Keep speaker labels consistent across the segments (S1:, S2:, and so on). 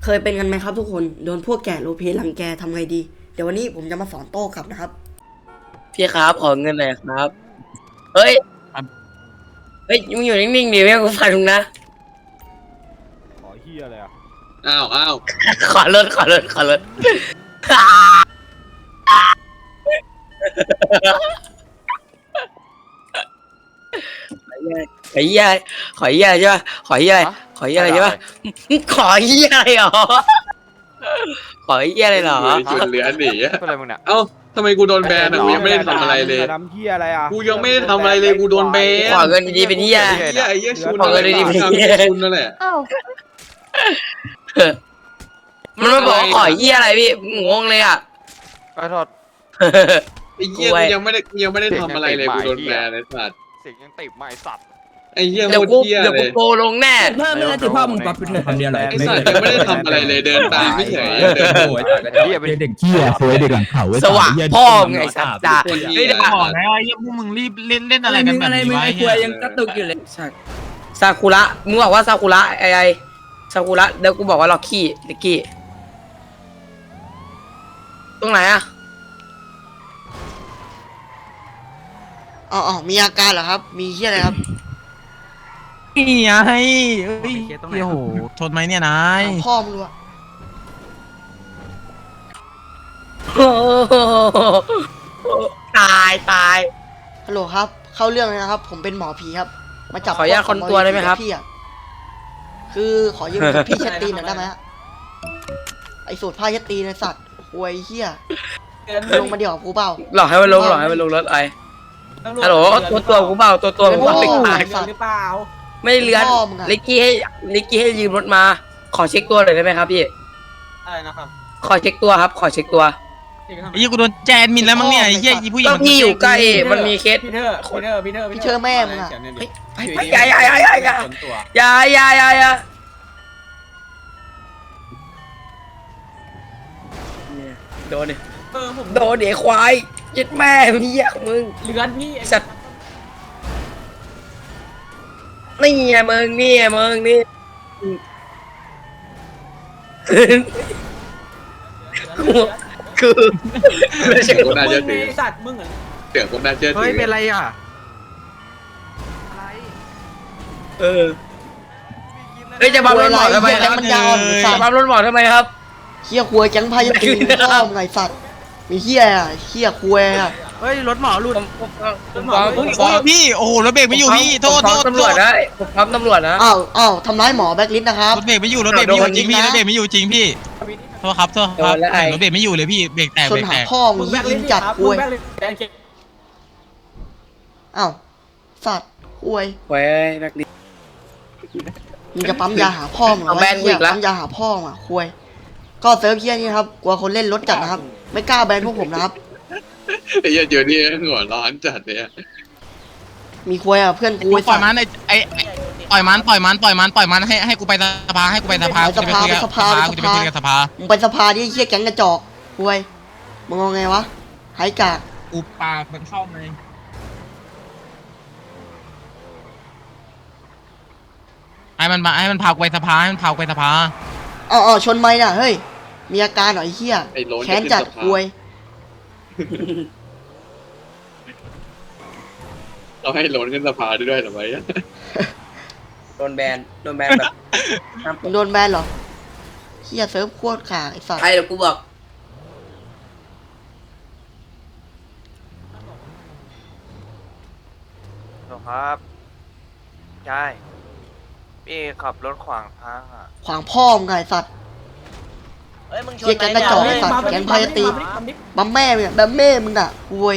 S1: เคยเป็นกันไหมครับทุกคนโดนพวกแก่โลเพรังแกทำไงดีเดี๋ยววันนี้ผมจะมาสอนโต้กลับนะครับ
S2: พี่ครับขอเงินหน่อยครับเฮ้ยเฮ้ยมึงอยู่นิ่งๆดิไม่ให้กูฟังมึงนะ
S3: ขอเฮียอะไรอ่ะ
S4: อ้าว
S2: ขอรถขอเหี้ยขอเหี้ยใช่ป่ะขอเหี้ยขอเหี้ยอะไรใช่ป่ะขอเหี้ยอะไรหรอขอเหี้ยอะไรหรอ
S4: จุดเหลือหนี
S3: เป็นอะไรมึงเนี่ย
S4: เอ้าทำไมกูโดนแบนอ่ะกูยังไม่ได้ทำอะไรเลย
S3: ทำเฮียอะไรอ่ะ
S4: กูยังไม่ได้ทำอะไรเลยกูโดนแบน
S2: ขอเงินดีๆเป็นเหี้ย
S4: ไอ้เหี้ยชุน
S2: ขอเงินดีๆ
S4: ชุนนั่นแหละ
S5: อ้าว
S2: มันมาบอกขอเหี้ยอะไรพี่งงเลยอ่ะ
S3: ขอโทษ
S4: ไอ้เหี้ยกูยังไม่ได้ทำอะไรเลยกูโดนแบนไอ้สัตว์
S3: เสียงยังติดไม่สัตว์
S4: ไอ้เหี้ยโค
S2: เดี๋ยว
S4: ตร
S2: กู
S4: เหี้ย
S2: เดี๋ยว
S4: เล
S2: กู
S4: ย
S2: โกลงแน่
S6: เพิ่มไม่ได้ติดพ่อมึงปั๊บคำเดียวเลย
S4: ไอ้สัตว์ยังไม่ได้ทำอะไรเลยเดินตามไม่เฉยเดิน
S6: โอ้ยเด็กเขี้ยสวยเด็กหลังเขา
S2: สว่างพ่อมึงไงสัตว์ด่า
S4: คนเหี้
S2: เฮ้ย
S4: ย
S2: ด่า
S7: บอกแล้วไอ้เหี้ยพวกมึงรีบเล่นอะไรกันแบบนี้วะ
S6: ไอ้
S7: ไอ้
S6: ค
S7: เหี้
S6: วย ยยังกระตุกอยู่เลย
S2: ซากุระมึงบอกว่าซากุระไอ้ซากุระเดี๋ยวกูบอกว่าล็อกกี้ลิกกี้ตรงไหนอะ
S1: อ๋อมีอาการเหรอครับ มีเหี้ยอะไรครับ
S7: นี่ไงเฮ้ยโอ้โหทนไหมเนี่ยนาย
S1: เอาพ่อมึงดูอะ
S2: โอ้โหตาย
S1: ฮัลโหลครับ เข้าเรื่องเลยนะครับ ผมเป็นหมอผีครับ มาจับ
S2: ขออนุญาตคนตัวได้ไหมครับ
S1: พี่อะคือขอยืมพี่เช็ดตีนหน่อยได้ไหมฮะไอ้สูตรผ้าเช็ดตีนไอ้สัตว์หวยเหี้ยลงมาเดี๋ยวกับกูเปล่า
S2: หลอกให้มันลงรถไอ้ฮัลโหลตัวกูเปล่าตัวกู
S1: โอ้
S2: เปล่า
S1: โห
S2: ตาย
S1: ไอ้สัตว์
S2: ไม่เลื้อน
S1: พ่อมึงอะ
S2: ลิกกี้ให้ยืมรถมา ขอเช็คตัวหน่อยได้ไหมครับพี่
S7: อะไรนะครับ
S2: ขอเช็คตัวครับขอเช็คตัว
S7: ไอ้เหี้ยกูโดนแจนมินแล้วมั้งเนี่ยไอ้เหี้ยอีผู้หญิ
S2: ก็
S7: ง
S2: พี่อยู่ใกล้มันมีเคส
S1: พี่เชอร์แม่มึงอะ
S2: ไปอย่าโดนดิโดนเดี๋ยวควายยึดแม่พี่ยมึง
S7: เลือนพี่
S2: สัตว์นี่ไงมึงนี่คือไม่ใช่
S4: กูน่าจะถือ
S7: สัตว์มึงเหรอ
S4: เสียงกูน่าจะถื
S7: เฮ้ยเป็นไรอ่ะ
S2: เออเฮ้ยจะบัมรถหมอทำไมครับ
S1: มันยาว
S2: จะบัมรถหมอทำไมครับ
S1: เหี้ยควยแก๊งผ้าเช็ดตีนพ่อมึงไงสัตว์มีเหี้ยอะเหี้ยควยอะ
S7: เฮ้ยรถหมอหลุด
S2: ผมฟ้อง
S7: พี่โอ้โหรถเบรกไม่อยู่พี่โทษ
S2: ผมฟ้องตำรวจนะผมฟ้องตำรวจนะ
S1: อ้าวทำร้ายหมอแบ็คลิสต์นะครับ
S7: รถเบรกไม่อยู่รถเบรกไม่อยู่จริงพี่รถเบรกไม่อยู่จริงพี่โทษครับรถเบรกไม่อยู่เลยพี่เบรกแตก
S1: ชน
S7: เบรก
S1: หา
S7: แตก
S1: พ่อมึงยิงจัดควยอ้าวสัตว์ควย
S2: เว้ยแบ็คลิส
S1: มึงจะปั๊มยาหาพ่อมึงเหรอ
S2: เอาแบนกูอีกแล้ว
S1: ปั๊มยาหาพ่อมึงอะควยก็เซิร์ฟเฮียนี่ครับกลัวคนเล่นรถจัดนะครับ ไม่กล้าแบนพวกผมนะครับ
S4: ไอ้เหี้ยเดี๋ยวนี้หัวร้อนจัดเนี่ย
S1: มีควยอะเพื่อนกู
S7: ป
S1: ไอ้
S7: ล่
S1: สั
S7: อย
S1: ตว์
S7: มันไอ้ปล่อยมันให้กูไปสภากูจะไปคุยกับสภา
S1: มึงไปสภาดิไอ้เฮียแก๊งกระจอกควยมึงเอาไงวะไฮกาก
S7: กูปากมันเข้าเลยให้มันพากูไปสภาให้มันพากูไปสภา
S1: อ๋อชนไหมน่ะเฮ้ยมีอาการเหรอไอ้เฮีย
S4: ไอ้โล้น
S1: แค้นจัดควย
S4: เราให้โล้นขึ้นสภาด้วยหรือไง
S2: โดนแบนแบบ
S1: มึงโดนแบนเหรอเฮียเซิร์ฟโคตรขาไอ้สัตว์
S2: ไอ้เดี๋ยวกูบอก
S8: ครับใช่พี่ขับรถขวางทางอ่ะ
S1: ขวางพ่อมึงไงไอ้สัตว์
S8: เอ้ยมึงช
S1: เฮีย
S8: น
S1: แก๊งกระจอกไอ้สัตว์แก๊งพายตีบัมแม่มึงอะบัมแม่มึงอะควย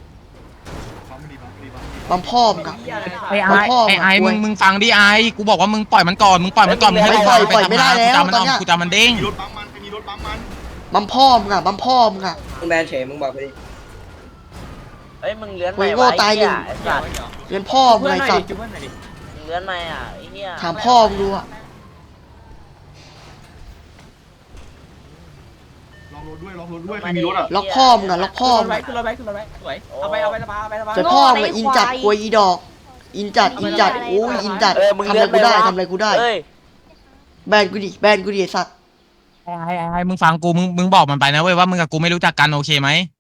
S1: บัมพ่อมึงอะ บัมพ่อมึงอะ
S7: ไอ้
S1: ควย
S7: มึงฟังดิไอ้กูบอกว่ามึงปล่อยมันก่อนมึงให้
S1: ไม่ปล่อยไม่ได้แล้วตอนเนี้ย
S7: กูจะมันเด้ง
S1: บัมพ่อมึงอะบัมพ่อมึงอะ
S2: มึงแบนเฉยมึงบอกไปดิ
S8: เอ้ยมึงเลื้อน
S1: โอ้
S8: ไหม
S1: ยโง่
S8: วะ
S1: ตายหนึ่ง
S8: ไอ้สัตว์
S1: เรียนพ่อมึงไงสัตว์
S8: มึงเลื้อนไหมอ่ะไอ้เหี้ย
S1: ถามพ่อมึงดูอะ ล็อกพ่อมึงอะล็อกพ่อมึงอะ
S7: ขึ้นรถไว้สวยเอาไปสภา
S1: แต่พ่อมึงอะอินจัดควยอีดอก อินจัดโอ้ยอินจัด
S8: มึง
S1: ทำ
S8: เลื้
S1: อะไร
S8: อน
S1: กูได้
S8: หมวะ
S1: ทำอะไรกูได้
S8: เอ้ย
S1: แบนกูดิไอ้สัตว์
S7: ให้มึงฟังกูมึงบอกมันไปนะเว้ยว่ามึงกับกูไม่รู้จักกันโอเคไหม